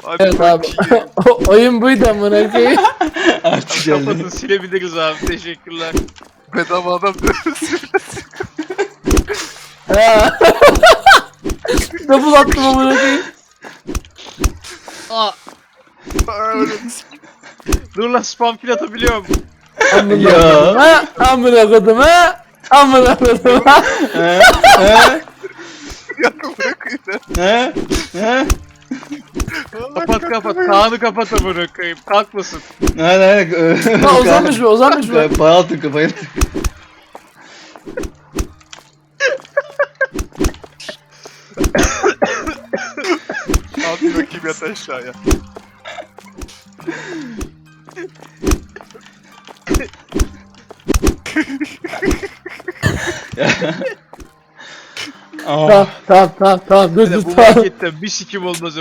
Hadi Evet abi. bakayım. Oyun buydu amına koyayım. Artık Kapatın geldi. silebiliriz abi. Teşekkürler. Bedava adam dövüyorsun. Ha. Double attım amına koyayım. Aa, Öyle dur lan spam kill atabiliyorum. Amına Ya. koydum ha. Amına koydum ha. Amına koydum ha. He? He? yakın bırakayım. He? He? Kapat kapat. Kaan'ı kapat amına koyayım. Kalkmasın. Hadi. Ha uzanmış mı uzanmış mı? Bayıltın kafayı. Al bir bakayım yat aşağıya. Ah. Tamam tamam tamam tamam dur Bir de dur bu tamam. marketten bir sikim olmaz